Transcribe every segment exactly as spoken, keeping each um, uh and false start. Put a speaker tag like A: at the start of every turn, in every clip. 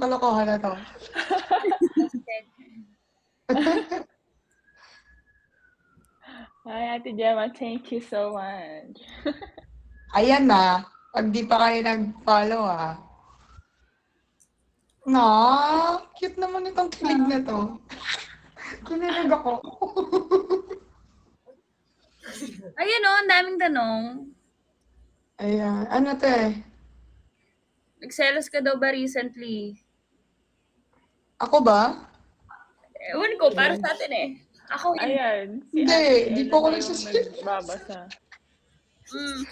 A: kalokohan na 'to.
B: Hi, Ate Gemma. Thank you so much.
A: Ayan na, 'pag di pa kayo nag-follow, ah. Na, cute naman itong kilig na 'to. Kinilig ako.
C: Ayun oh, ang daming tanong.
A: Ayan, ano 'to, eh?
C: Nagselos ka daw ba recently?
A: Ako ba?
C: Ewan ko, para sa atin eh. Ako hindi.
B: Ayan, si
A: Hindi,
B: Ate
A: di
B: Ella
A: po ako
B: na yung
A: nagsaselos.
B: nagbabasa.
C: Mm.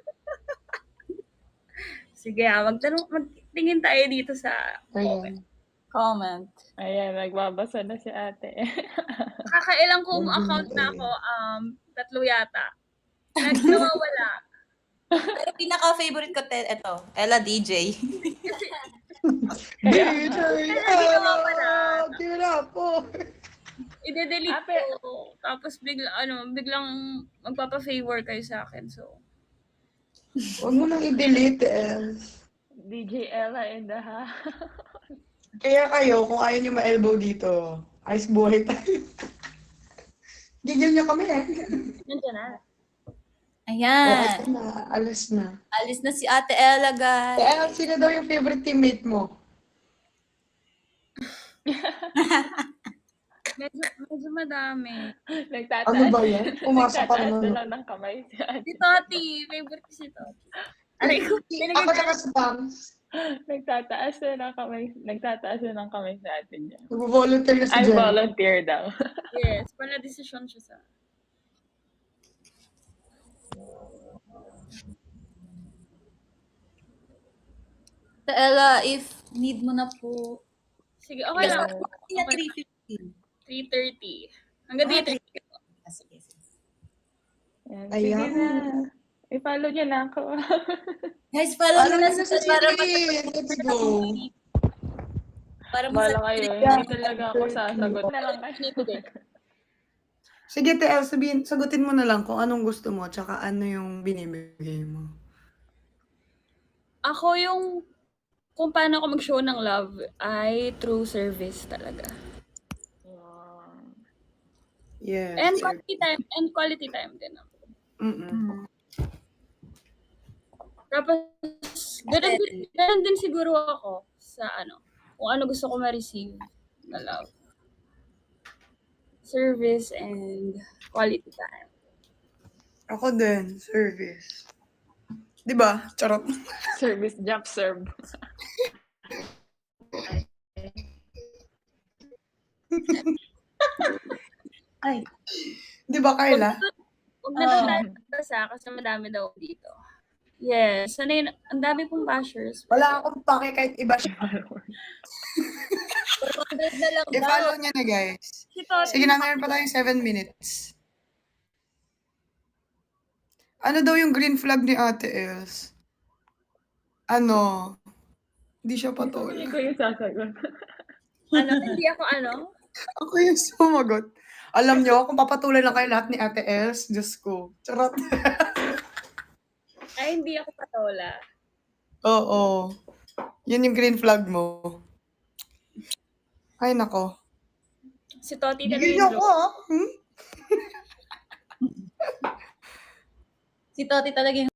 C: Sige ah, magtanong, magtingin tayo dito sa
A: Ayan.
D: Comment.
B: Ayan, nagbabasa na si Ate.
C: kakailang kong account na ako, um, tatlo yata. Nagwawala.
D: Pero pinaka-favorite ko, te, ito, Ella D J.
A: D J
C: Kasi
A: Ella,
C: nawawala.
A: give it up po.
C: Ide-delete
B: Ape.
C: ko. Tapos bigla, ano, biglang magpapa-favor kayo sa akin. So,
A: Huwag mo nang i-delete, Els.
B: D J Ella in the house.
A: Kaya kayo, kung ayaw nyo ma-elbow dito, ayos buhay tayo. Gigil nyo kami, eh.
C: nandiyan na.
A: O,
D: Ayan.
A: ayos na, alis na.
D: Alis na si Ate Ella, guys.
A: Eh, Els, sino daw yung favorite teammate mo?
C: Medyo, medyo madami.
B: Nagtataas.
A: Ano ba yan? Pumasok ka
B: Nagtataas na
A: naman.
B: lang ng kamay si Ate.
C: Si Toti. Favorite ko si Toti. Aray ko,
A: Ako
C: pinagay
A: tsaka si Pams.
B: Nagtataas na ng kamay. Nagtataas na ng kamay si Ate niya.
A: Nag-volunteer na si
B: I
A: Jen.
B: volunteer daw.
C: Yes, pala desisyon siya sa...
D: Ate Ella, if need mo na po.
C: Sige, okay lang.
D: Kaya three fifteen.
C: three thirty. Hanggang
D: Ah,
C: three thirty.
D: Ah, sige, sige.
B: Ayan,
A: Ayan.
B: sige na. I-follow niyo na ako.
D: Guys, follow
A: Alam
D: mo na
A: mo na
D: sa
A: si
D: para
A: Siri. Let's go.
D: para
B: Bala
D: sa
B: kayo. Hindi talaga ako sasagot. Na lang kayo.
A: Sige, T L, sabihin, sagutin mo na lang kung anong gusto mo tsaka ano yung binibigay mo.
C: Ako yung kung paano ako mag-show ng love ay through service talaga.
B: Wow.
A: Yes.
C: And quality time, and quality time din ako.
A: Mm-mm.
C: Tapos, ganun din, ganun din siguro ako sa ano, kung ano gusto ko ma-receive na love. Service and quality time.
A: Ako din, service. Di ba? Charot.
B: Service jump serve.
D: Ay,
A: Di ba, Carla?
C: Huwag na daw
D: Ah.
C: tayo magbasa kasi madami daw dito. Yes, ano yun, ang dami pong bashers.
A: Wala akong pake kahit iba siya.
D: four hundred na lang daw.
A: I-follow niya na, guys.
C: Si Toti,
A: Sige na, meron pa tayong seven minutes. Ano daw yung green flag ni Ate Els? Ano? Hindi siya
B: Hindi
A: patola.
B: ko yung sasagot.
C: ano, hindi ako ano,
A: Ako yung sumagot. Alam niyo, kung papatuloy lang kayo lahat ni Ate Els, Diyos ko. Charot.
C: ay hindi ako patola.
A: Oo. Yun yung green flag mo. Ay, nako.
C: Si Toti talaga
A: Bigyan niyo
C: yung
A: ako, ah. Hmm?
D: Si Toti talaga yung